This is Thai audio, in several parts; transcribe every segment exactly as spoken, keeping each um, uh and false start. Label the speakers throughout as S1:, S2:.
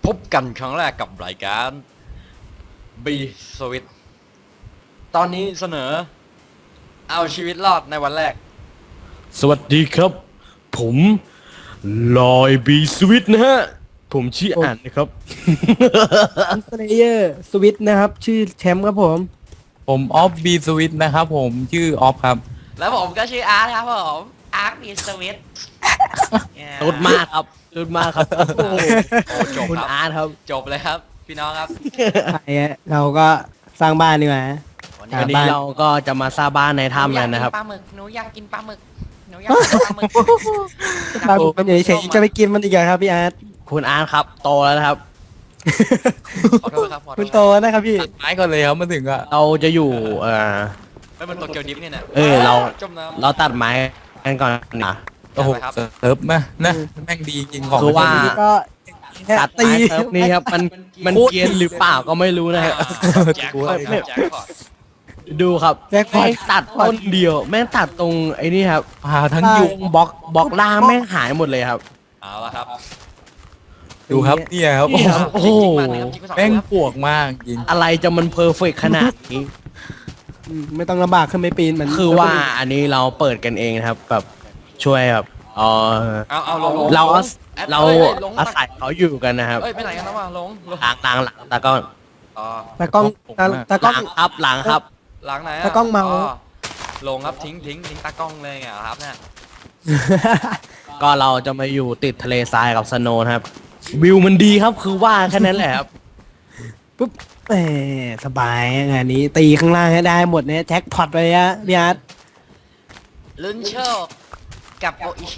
S1: บกันครั้งแรกกับรายการ B Switch ตอนนี้เสนอเอาชีวิตรอดในวันแรก
S2: สวัสดีครับผมลอยบีสวิตนะฮะผมชื่ออ่านนะครับ
S3: สเลเยอร์สวิตนะครับ ชื่อแชมป์ครับผม
S4: ผมออฟบีสวิตนะครับผมชื่อออฟครับ
S1: แล้วผมก็ชื่ออาร์ตครับผมอาร์ต B Switch
S2: สุดมากครับสุดมากครับโอ้จบ
S3: คุณ
S1: ครับ
S3: อาร์ตครับ
S1: จบเลยครับพี่น้องครับ
S3: ไอ้เราก็สร้างบ้านดีกว่า
S1: วัน
S3: อ่า
S1: นี้
S3: บ้าน
S2: เราก็จะมาสร้างบ้านในถ้ำกันนะครับ
S1: ปลาหมึกหนูอยากกินปลาหมึกหนูอยากกินปลาหมึก
S3: บ้านมันอยู่เฉยๆจะไปกินมันอีกเหรอครับพี่อาร์ต
S2: คุณอาร์ตครับโตแล้วนะครับ
S1: ขอโทษครับขอโทษ
S3: คุณโตนะครับพี่
S4: ตัดไม้ก่อนเลยครับมาถึงก็
S2: เราจะอยู่เออ
S1: ไม่เป็นตัวเกียวดิฟเนี่ยนะ
S2: เออเรา
S1: จมน้ำ
S2: เราตัดไม้กันก่อนนะ
S4: โอ้โห
S1: ครับ
S4: เซิร์ฟนะนะแม่งดีจริงของ
S2: คือว่า
S3: นี่ก็
S2: ตัด
S3: ตี
S2: ไม้เซิร์ฟนี้ครับมันมันเกรียนหรือเปล่าก็ไม่รู้นะฮะ
S1: แจ็คพอตครับแจ็คพอต
S2: ดูครับ
S3: แจ็คพอ
S2: แม่
S3: ต
S2: งตัดต้นเดียว แม่งตัดตรงไอ้นี่ครับ
S4: พาทั้ง
S3: ใช่
S4: ยุง
S2: บล็อกบล็อกล่างแม่งหายหมดเลยครับ
S1: เอาละครับ
S4: ดูครับเนี่ยครับ
S2: นี่ครับ โอ้โห
S4: แม่งปวกมากจริง
S2: อะไรจะมันเพอร์เฟกขนาดนี้
S3: อืมไม่ต้องลำบากขึ้นไปปีนเหมือน
S2: คือว่าอันนี้เราเปิดกันเองนะครับแบบช่วยแบบเออ
S1: เอาเอาลง
S2: เราอาศ
S1: แอด
S2: เรา
S1: อ้ยอ้ยลง
S2: อาศัยเขาอยู่กันนะครับ
S1: เอ้ยไปไหนกันแล้ววะลงลง
S2: หลังหลังหลังตากล้อง
S1: อ๋อ
S3: ตากล้องตาตากล้อง
S2: หลังครับหลังครับ
S1: หลังไหนอะ
S3: ตากล้องเมา
S1: ลงครับทิ้งทิ้งทิ้งตากล้องเลยไงครับเนี่ย
S2: ก็เราจะมาอยู่ติดทะเลทรายกับสโนว์นะครับวิวมันดีครับคือว่าแค่นั้นแหละครับ
S3: ปุ๊บแหมสบายงานนี้ตีข้างล่างให้ได้หมดเนี่ยแจ็คพอตเลยอะพี่อาร์ต
S1: ลุ้นโชคกับโออิชิ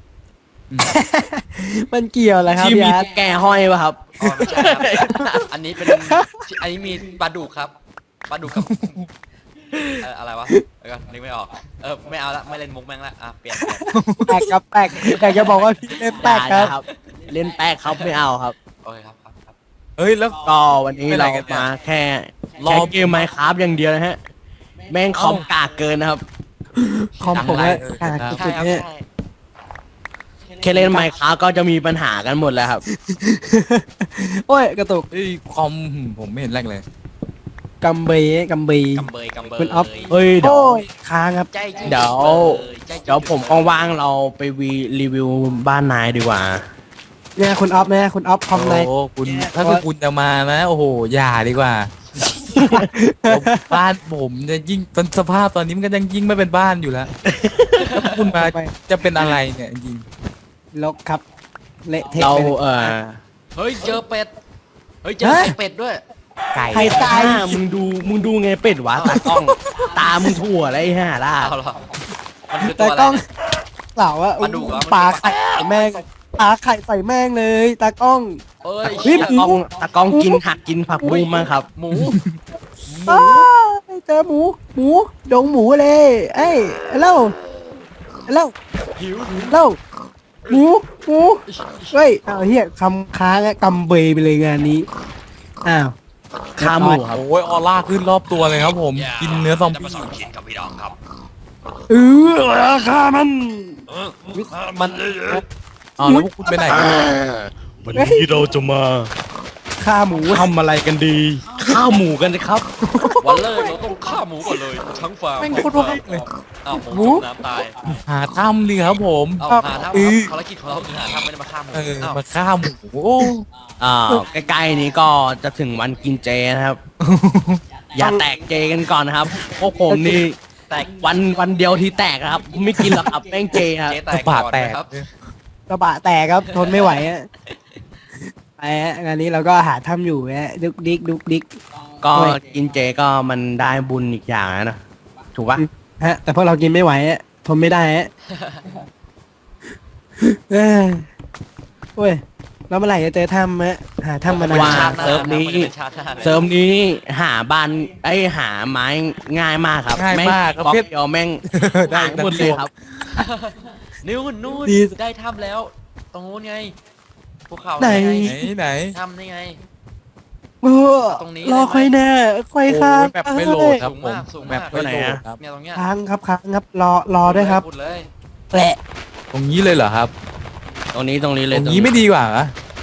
S3: มันเกี่ยวอะไรครับ
S2: ที่
S3: พี่
S2: มี
S3: อาร์ต
S2: แกห้อยป่ะครับ
S1: อ๋อไม่ใช่ครับอันนี้เป็นอันนี้มีปลาดุกครับปลาดุกกับเอ่ออะไรวะเดี๋ยวก่อนนึกไม่ออกเออไม่เอาละไม่เล่นมุกแม่งละอ่ะเปลี่ยนเปลี่ยน
S3: แปลกครับแปลกอยากจะบอกว่าพี่เล่นแปลกครับ
S2: ได้เล่นแป๊กครับไม่เอาครับ
S1: โอเคครับครับครับ
S4: เฮ้ยแล้ว
S2: ก็วันนี้
S4: เป็นไร
S2: เรา
S4: กันเนี่ย
S2: มาแค่
S4: รอ
S2: แค่เกมไมค์ครับอย่างเดียวนะฮะแม่งคอมกากเกินนะครับ
S3: คอมผมว่าขนาด
S1: ใช่
S3: สุด
S1: ครับ
S3: ๆเนี่ย
S1: ใช่
S2: แค่เล่นไมค์ครับก็จะมีปัญหากันหมดแล้วครับ
S3: โอ้ยกระตุก
S4: เฮ้ยคอมผมไม่เห็นแรกเลย
S3: กัมเบยกัมเบย
S1: กำเบยกำเบย
S3: คุณอ๊อฟ
S2: เฮ้ยเดี๋ยว
S3: โอ้ยค้างครับ
S1: ใจจริง
S2: เดี๋ยว
S1: ใจจริง
S2: เดี๋ยวผมว่างๆเราไปวีรีวิวบ้านนายดีกว่า
S3: เนี่ยคุณออฟเนี่ยคุณออฟคอมไน
S4: โอ้คุณถ้าเกิดคุณจะมานะ โอ้โหอย่าดีกว่าบ้านผมจะยิ่งตอนสภาพตอนนี้มันก็ยังยิ่งไม่เป็นบ้านอยู่แล้วถ้าคุณมาจะเป็นอะไรเนี่ยจริง
S3: ลกครับเละเทะ
S2: เรา
S3: ไปเลย
S2: เออ
S1: เฮ้ยเจอเป็ดเฮ้ยเจอ
S3: ฮะ
S1: ไข่เป็ดด้วย
S4: ไก่
S3: ใครตาย
S2: หน้มึงดูมึงดูไงเป็ดวะตากล้อง ตามึงถั่วอะไรห่าล่ะ
S1: เอาเหรอมันคือตั
S3: แต่
S1: วอะไร
S3: กล้อง
S1: เนี่ย
S3: เปล่าว่า
S1: ปลาดุกเหรอ
S3: ปลาไข่ใส่แม่งปลาไข่ใส่แม่งเลยตากล้อง
S1: เอ้ย
S3: เฮ้ย
S2: ตากล้องตากล้องกินผักกินผักบุ้งมากครับ
S1: หมู
S3: อ้าวเจอหมู หมู ดงหมูเลย เอ้ยเล่าเล่า
S1: หิว
S3: เล่าหมู หมู เฮ้ยเอาเฮียคำค้างอะกำเบยไปเลยงานนี้ อ้าว
S2: ขาหมูครับ
S4: โอ้ยออร่าขึ้นรอบตัวเลยครับผม กินเนื้อซอม
S1: จะ
S4: บี้
S1: มาสอนกินกับพี่น้องครับ
S3: เออราคามัน
S1: มัน
S4: อ๋อแล้วพวกคุณไปไหนกัน
S2: วันนี้เราจะมา
S3: ค่าหมู
S2: ทำอะไรกันดี ข้าวหมูกันนะครับ
S1: วันเลยเราต้องฆ่าหมูก่อนเลยทั้งฟาร์ม
S4: แม่งโคตรว่างเลย
S1: อ้าวหมูจมน้ำตาย
S4: หาถ้ำดิครับผม
S1: เอาหาถ้ำ
S4: เออ
S1: ภารกิจของเราคือหาถ้ำไม่ได้มาฆ่าหมู
S4: เออ
S1: อ้าว
S4: มาฆ่าหมูโอ้
S2: อ่าใกล้ๆนี้ก็จะถึงวันกินเจนะครับ อย่าแตกเจกันก่อนนะครับพวกผมนี่
S1: แตก
S2: วันวันเดียวที่แตกนะครับ ไม่กินหรอกครับแป้งเจครับ
S1: เจ๊แตก
S4: บาด
S1: ก่อน
S4: แตก
S1: นะครับ
S3: กระบะแตกครับ ทนไม่ไหวอะไปฮะงานนี้เราก็หาถ้ำอยู่ฮะดุกดิกดุกดิก
S2: ก็
S3: โอ้ย
S2: กินเจก็มันได้บุญอีกอย่างนะ ถูกปะ
S3: ฮะ แต่พวกเรากินไม่ไหวฮะทนไม่ได้ฮะเอ้ยโอ้ยแล้วเมื่อไหร่จะเจอถ้ำฮะหาถ้ำมานาน
S2: ว่า
S1: ชาติหน้า
S2: เซิร์ฟนี้
S1: มัจะเป็นชาติหน้าเลย
S2: เสริมนี้หาบ้านไอยหาไม้ง่ายมากครับ
S4: ง่ายมาก
S2: แงบล็อก
S4: เพชร
S2: เดียวแม่ง
S4: ได้
S2: หายหมดเลยครับ
S1: นู่นนู่นได้ถ้ำแล้ว ตรงนู้นไงภูเขา
S3: ไหน
S1: ไง
S4: ไหนไหน
S1: ถ้ำนี่ไง
S3: โอ้
S1: ตรงนี้
S3: รอ
S1: เลยไหม
S3: ค่อยแน่ค่อยค้าง
S4: โอ้ยแบบไม่โหลดครับ
S1: สูง
S4: ผม
S1: มากสูง
S4: แบ
S1: มาก
S4: บไม่โหลด
S2: ตัวไหนอะ
S4: ครับ
S1: เนี่ยตรงเนี้ย
S3: ค้างครับค้างครับรอรอด้วยครับ
S1: พูดเลย
S3: แปะ
S4: ตรงนี้เลยเหรอครับ
S2: ตรงนี้ตรงนี้
S4: ต
S2: เลย
S4: รงนี้ไม่ดีกว่าเหรอ
S1: ตรงไหนอ่ะ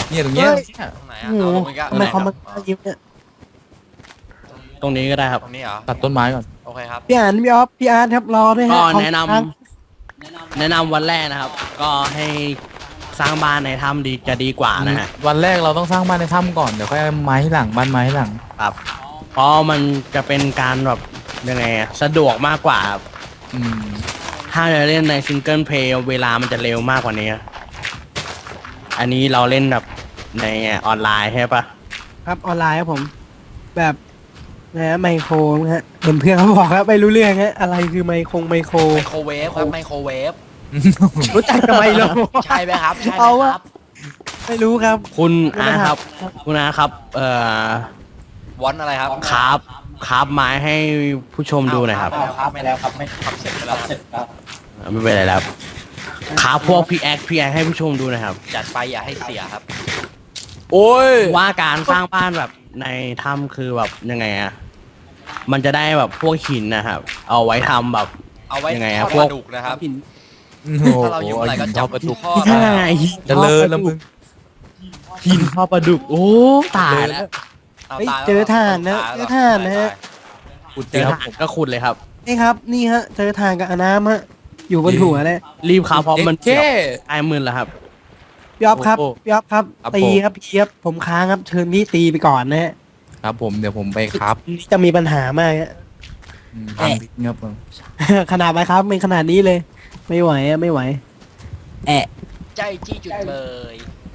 S4: เนี่ยตรงเนี้ย
S3: เฮ้ย
S4: เนี่ย
S1: ตรงไหน
S3: โอ้
S1: อ่ะ
S3: โห
S1: เอาลงอีกอ่ะ
S3: ทำไมคอม
S1: ต
S3: มั
S1: ร
S3: น
S1: งไหน
S3: ยิ้มเนี่ย
S2: ตรงนี้ก็ได้ครับ
S1: ตรงนี้เหรอ
S4: ตัดต้นไม้ก่อน
S1: โอเคครับ
S3: พี่อ่านพี่ออฟพี่อาร์ตครับรอด้วยฮะ
S2: ก็
S3: ของ
S2: แนะนำ
S3: ค้าง
S2: แนะนำวันแรกนะครับ ก็ให้สร้างบ้านในถ้ำดีจะดีกว่านะฮะ
S4: วันแรกเราต้องสร้างบ้านในถ้ำก่อนเดี๋ยวค่อยเอาไม้หลังบ้านไม้หลัง
S2: ครับ เพราะมันจะเป็นการแบบยังไงอะสะดวกมากกว่าครับ
S4: อืม
S2: ถ้าจะเล่นในซิงเกิลเพลย์เวลามันจะเร็วมากกว่านี้ อันนี้เราเล่นแบบในออนไลน์ใช่ปะ
S3: ครับออนไลน์ครับผม แบบนะฮะไมโครนะฮะเห็นเพื่อนเขาบอกครับไม่รู้เรื่องฮะอะไรคือไมโครไมโคร
S1: ไมโครเวฟครับไมโครเวฟ
S3: รู้จักทำไมเหรอ
S1: ใช่ไหมครับใช่ไหม
S3: เอา
S1: คว
S3: ะ
S1: รับ
S3: ไม่รู้ครับ
S2: คุณอาครับ คุณอาครับ เอ่อ
S1: วอนอะไรครับ
S2: คราฟคราฟไม้ให้ผู้ชมดูหน่อยครับ
S1: ครับไม่แล้วครับไม่ทำเสร็จไปแล้วครับ
S2: ไม่เป็นไรแล้วคราฟพวกพีแอคพีแอคให้ผู้ชมดูหนะครับ
S1: จัดไปอย่าให้เสียครับ
S4: โอ้ย
S2: ว่าการสร้างบ้านแบบในถ้ำคือแบบยังไงอะมันจะได้แบบพวกหินนะครับ เอาไว้ทำแบบ
S1: เอาไว้
S2: ยังไง
S1: ท
S2: อะ
S1: อด
S2: พ
S1: ป
S2: วก
S1: ลาดุกนะครับ
S3: หิน
S1: ถ้าเราอยู่อะไรก็จับ
S4: ประตู
S1: ทอด
S2: ใช่หิน
S4: เจะเลิศแล้วมึง
S2: หินพ่อปลาดุก โอ้ตายแล้ว
S1: เอา
S3: เฮ้ย
S1: ตายแล้ว
S3: เจอถ่านนะ
S1: ตย
S3: เจ
S1: แล้ว
S3: อถ่านนะฮะ
S4: ขุด
S2: เจ
S4: เจ
S2: อ
S4: อครับ
S2: ถ่านก็ขุดเลยครับ
S3: นี่ครับนี่ฮะเจอทางกับอาน้ำฮะอยู่บนหัวเลย
S2: รีบครับเพราะมัน
S4: เจ๊
S2: ไอ้หมื่นแล้วครับ
S3: พี่ออฟครับ
S4: โอ้โห
S3: พี่ออฟครับ
S4: ครับ
S3: ตี
S4: ผม
S3: ครับพี่ครับผมค้างครับเชิญพี่ตีไปก่อนนะฮะ
S4: ครับผมเดี๋ยวผมไปครับ
S3: จะมีปัญหามากฮะ
S4: อืมทำพิษเงียบเลย
S3: ขนาดไหมครับเป็นขนาดนี้เลย ไม่ไหวอะไม่ไหว แอะ
S1: ใจจี้จุดเบย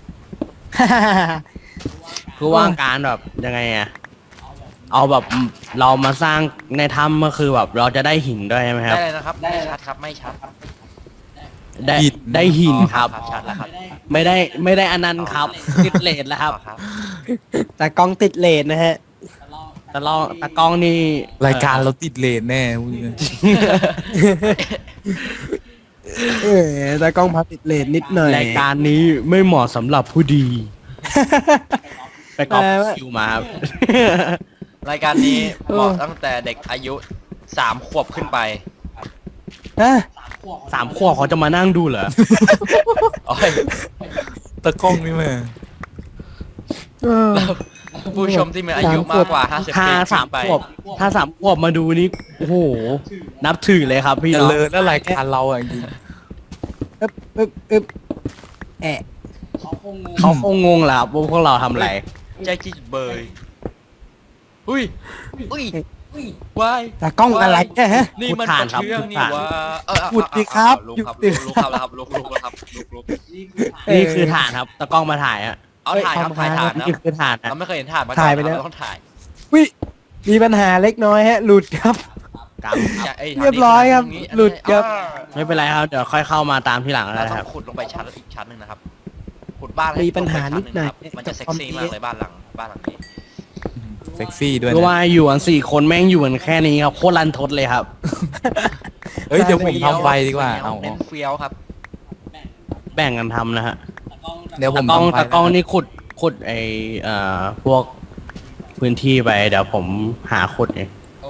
S2: คือว่าการแบบยังไงอะเอาแบบเรามาสร้างในถ้ำก็คือแบบเราจะได้หินด้วยใช่ไหมค
S1: ได้
S2: รับ
S1: เลยนะครับไม่ชัดครับไม่ชัด
S2: ได้ได้หินครับ
S1: อ๋อชัดแล้วครับ
S2: ไม่ได้ไม่ได้อันนั้นครับติดเลทแล้วครับ
S1: อ๋อครับ
S3: แต่กล้องติดเลนนะฮะ
S2: แต่ลองตากล้องนี่
S4: รายการเราติดเลนแน่พูดเลย
S3: เออแต่กล้องพับติดเลนนิดหน่อย
S2: รายการนี้ไม่เหมาะสำหรับผู้ดี ไปกอบ
S3: แปลว่า
S2: คิวมาครับ
S1: รายการนี้เหมาะตั้งแต่เด็กอายุสามขวบขึ้นไป
S3: ฮะ
S2: สามขวบเขาจะมานั่งดูเหรอ
S1: โอ้ย
S4: ตะกล้องนี่แม่
S3: เออ
S1: ผู้ชมที่มีอายุมากกว่าห้าสิบ
S2: ถ้า
S1: ปี
S2: สาม
S1: ขึ้นไป
S2: ขวบถ้าสามขวบมาดูนี่โอ้โห นับถือเลยครับพี่
S4: เจะ
S2: น้อง
S4: เลิศแล้วรายการเราอ่ะจริง
S3: อึ๊บอึ๊บอึ๊บแอะ
S2: เขาคงงงแหละครับว่าพวกเราทำอะไร
S1: ใจจี้จุดเบยอุ้ยอุ้ยว้าย
S3: แต่กล้องอะไรเนี่ยฮะ
S1: นี่มัน
S2: พูดผ่าน
S1: ก
S2: ครับ
S1: ระเชื่องนี่
S2: พูดผ่าน
S1: ว่าเออเอา
S3: พูดดิครับ
S1: ลุกครับ
S3: หยุดดิ
S1: ลุกครับแล้วครับลุกลุกแล้วครับลุกลุก
S2: นี่คือฐานครับตากล้องมาถ่ายอะ
S1: เอาถ่ายครับถ่ายถ่านนะ
S2: นี่คือฐานนะ
S1: เราไม่เคยเห็นถ่านมาก่อน
S3: ถ่ายไปแล้ว
S1: เรต้องถ่าย
S3: วิมีปัญหาเล็กน้อยฮะ หลุดครับ
S2: กรรมครับ
S1: จะไอ้
S3: เรียบร้อยครับ
S1: ตงนี้
S3: หลุดครับ
S1: อ่า
S2: ไม่เป็นไรครับ เดี๋ยวค่อยเข้ามาตามที่หลัง
S1: เรา
S2: แล้ว
S1: ต้
S2: ค
S1: อ
S2: รับ
S1: งขุดลงไปชั้นอีกชั้นหนึ่งนะครับขุดบ้านให้
S3: มีปัญหา
S1: ลงไป
S3: นิดหน่อย
S1: ชั้งงครับมันจะเซ็กซี่มากเลยบ้านหลังบ้านหลังนี้
S4: เซ็กซี่ด้วย
S2: เพราะว่า
S4: นะ
S2: อยู่กันสี่คนแม่งอยู่กันแค่นี้ครับโคตรรันทดเลยครับ
S4: เฮ้ยเดี๋ยวผมทำไฟดีกว่าเอา
S1: เน้นเฟี้ยวครับ
S2: แบ่งกันทำนะฮะ
S4: เดี๋ยวผ
S2: ตาม กล้อง
S4: ทำไฟ
S2: ตากล้องนี่ขุดขุดไอเอ่อพวกพื้นที่ไปเดี๋ยวผมหาขุดเอง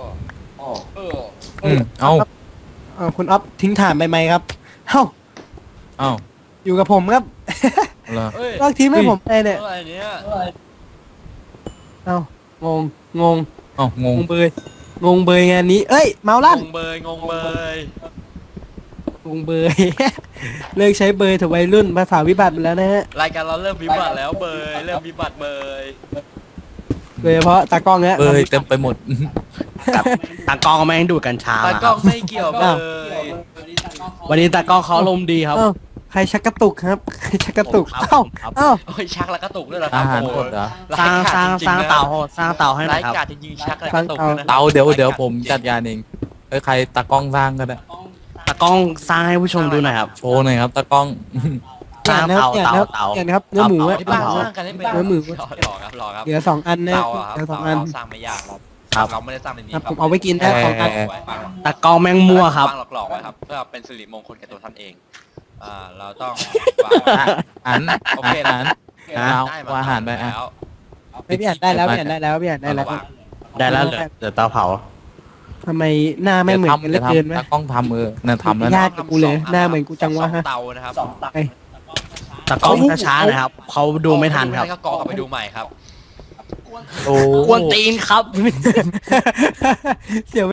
S4: อืมเอ้า
S3: เออคุณอ๊อฟทิ้งถ่านไปไหมครับเอ้า
S4: เอ้า
S3: อยู่กับผมครับ
S4: เหรอ
S1: เอ้ย
S3: ลอกทิ้งให้ผมไปเนี่ย
S1: อะไรเนี่ย
S3: เอ้างงงง
S4: เอ้าง
S3: ง
S4: ง
S3: งเบยงงเบยงานนี้ เอ้ยเมาลั่น
S1: งงเบยงงเบย
S3: งงเบย เลิกใช้เบยเถอะวัยรุ่นภาษาวิบัติไปแล้วนะฮะ
S1: รายการเราเริ่มวิบัติแล้วเบยเริ่มวิบัติเบย
S3: โดยเฉพาะตากล้องเนี่ย
S4: เอ้ยเต็มไปหมด
S2: กับตากล้องแม่งดูดกัญชา
S1: ตา
S2: มาค
S1: กล้
S2: รั
S1: อบ งไม่เกี่ยวเบย
S2: วันนี้ตากล้องเขาลมณ์ดีครับ
S3: เอ้าใครชักกระตุกครับใครชักกระตุก
S2: ผมครับ
S3: เอ้า
S2: ผมครับ
S3: เอ้า
S1: โอ้ยชักแล้วกระตุกด้วยเหรอครั
S4: อา
S1: บ
S4: หาร
S1: โอ้
S4: หมดเหรอ
S2: สร้างสร้างสร้างเตาสร้างเตาให้หน่
S1: รา
S2: อย ยครับ
S1: กาจจริงๆชักแล้วกระตุกด้วยนะ
S4: เตาเดี๋ยวเดี๋ยวผมจัดการเองเอ้ยใครตากล้องสร้างก็ได้
S2: ตากล้องสร้างให้ผู้ชมดูหน่อยครับ
S4: โชว์หน่อยครับตากล้อง
S2: สร้างเตา
S3: เนี่ย
S2: เตา
S3: นะครับ
S2: เตา
S3: เนี่ยนะครับเนื้อหมู
S2: เตา
S3: อะ
S1: ไอ้บ้านสร้างกันให้เป็น
S3: เนื้อหมู
S1: หล่อครับหล่อครับ
S3: เหลือสองอันนะ
S1: เตาอะครับ
S3: เหลือสอง
S1: เตา
S3: อัน
S1: เราสร้างไม่ยากครับ
S2: ครับ
S1: เราไม่ได้สร้างในนี้
S3: ครับ
S1: ครับ
S3: ผมเอาไว้กินนะสองอัน
S4: เ
S2: ตากล้องแม่งมั่วครับ
S1: วางหลอกๆไว้ครับเพื่อเป็นสิริมงคลแก่ตัวท่านเองอ่าเราต้องวางไว้
S4: อัน
S1: โอเค
S4: อัน เอา
S1: ได้ม
S4: เอาอาหารไปอ่ะ
S1: แล้ว
S3: ไม่พี่อ่านได้แล้วพี่อ่านได้แล้วพี่อ่านได้แล้ว
S1: วาง
S2: ได้แล้วเหลือเหลือเตาเผา
S3: ทำไมหน้าไม่เหมือนกันเหลือเกินไหม
S4: ตากล้องทำเออน่ะทำแล้ว
S3: ญา
S4: นะ
S3: ติกับกูเลยหน้าเหมือนกูจังวะฮะ
S1: สอเตานะครับ
S3: ไอ้
S2: ตะกล้องช้าๆนะครับเขาดูไม่ทันครับ
S1: ก็กอกลับไปดูใหม่ครับ
S4: โอ้
S2: กวนตีนครับ
S3: เสียว